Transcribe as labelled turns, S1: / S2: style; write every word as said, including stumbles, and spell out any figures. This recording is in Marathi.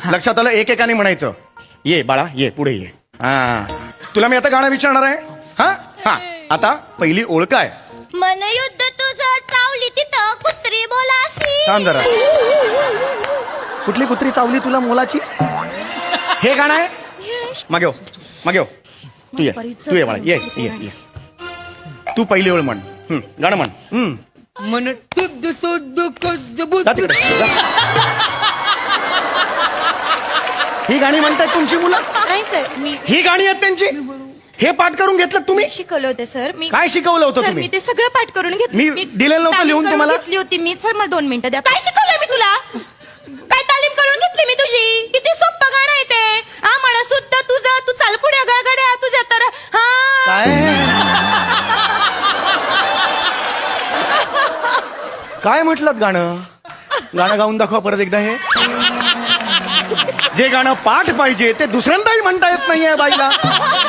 S1: लक्षात आलं? एक एकाने म्हणायचं. ये बाळा ये पुढे ये. हा तुला मी आता गाणं विचारणार आहे. हा हा आता पहिली ओळ काय?
S2: मन युद्ध तुझं चावली तिथं कुत्री बोलासी.
S1: थांब जरा. कुठली कुत्री चावली तुला मोलाची? हे गाणं आहे. मागे हो मागे हो. तू ये तू ये बाळा ये ये ये. तू पहिली ओळ म्हण. हम्म, गाणं म्हण. हम्म.
S3: मन तुझ सुद्ध
S1: जा तिकडे, जा. ही गाणी म्हणतायत तुमची मुलं?
S4: नाही सर, मी
S1: ही गाणी आहेत त्यांची? हे पाठ करून घेतलं तुम्ही?
S4: शिकवलं होतं सर. मी
S1: काय शिकवलं होतं
S4: सर,
S1: तुम्ही?
S4: मी ते सगळं पाठ करून घेतलं.
S1: मी दिलेलं नव्हतं
S4: तालीम
S1: लिहून
S4: करून
S1: तुम्हाला?
S4: घेतली होती मी. सर मला दोन मिनिटं द्या. काय शिकवलंय मी तुला? काय तालीम करून घेतली मी तुझी? किती सोपं गाणं आहे ते. हा म्हणा सुद्धा तुझं, तू चाल पुढे गळगड्या तुझ्या तर. हा
S1: काय म्हटलं गाणं? गाणं गाऊन दाखवा परत एकदा. हे जे गाणं पाठ पाहिजे ते दुसऱ्यांदाही म्हणता येत नाहीये बाईला.